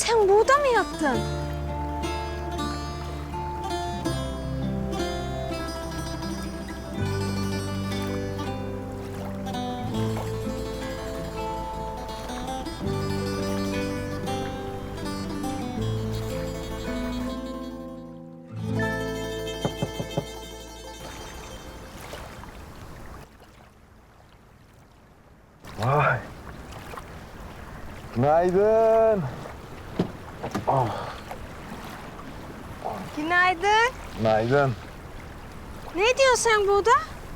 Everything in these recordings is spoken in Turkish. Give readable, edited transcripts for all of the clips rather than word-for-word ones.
sen burada mı yattın? Vay. Günaydın. Günaydın. Günaydın. Ne diyorsun sen burada?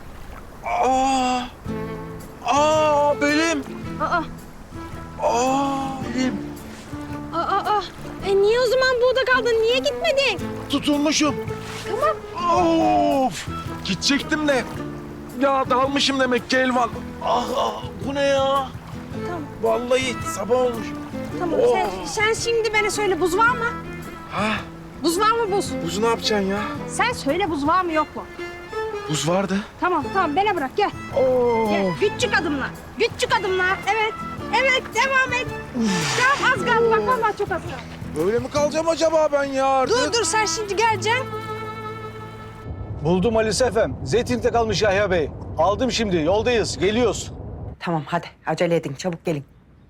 Belim. Aa, Belim. aa. Niye o zaman burada kaldın? Niye gitmedin? Tutulmuşum. Tamam. Of. Gidecektim de. Ya dalmışım demek ki Elvan. Bu ne ya? Tamam. Vallahi sabah olmuş. Tamam. Sen şimdi bana söyle, buz var mı? Ha? Buz var mı buz? Buzu ne yapacaksın ya? Sen söyle, buz var mı yok mu? Buz vardı. Tamam bana bırak gel. Gel. Of. Küçük adımlar. Küçük adımlar. Evet. Evet, devam et. Tamam, az kaldı bak, vallahi çok az kaldı. Böyle mi kalacağım acaba ben ya artık? Dur sen şimdi geleceksin. Buldum Ali Sefem. Zeytin'de kalmış Yahya Bey. Aldım şimdi. Yoldayız. Geliyoruz. Tamam hadi acele edin çabuk gelin.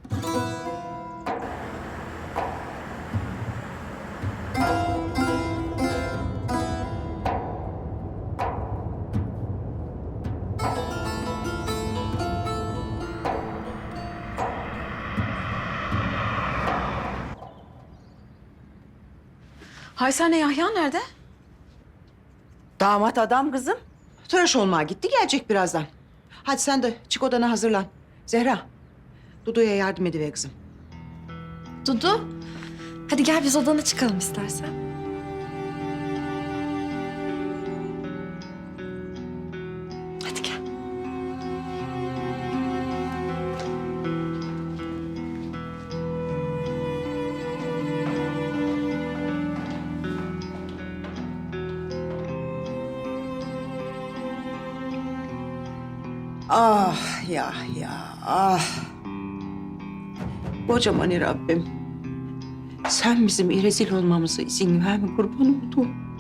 Haysane Yahya nerede? Damat adam kızım. Tıraş olmaya gitti gelecek birazdan. Hadi sen de çık odana hazırlan. Zehra, Dudu'ya yardım ediver kızım. Dudu. Hadi gel biz odana çıkalım istersen. Hadi gel. Ah Yahya, ah. Kocaman Rabbim. Sen bizim rezil olmamıza izin verme kurban olduğum.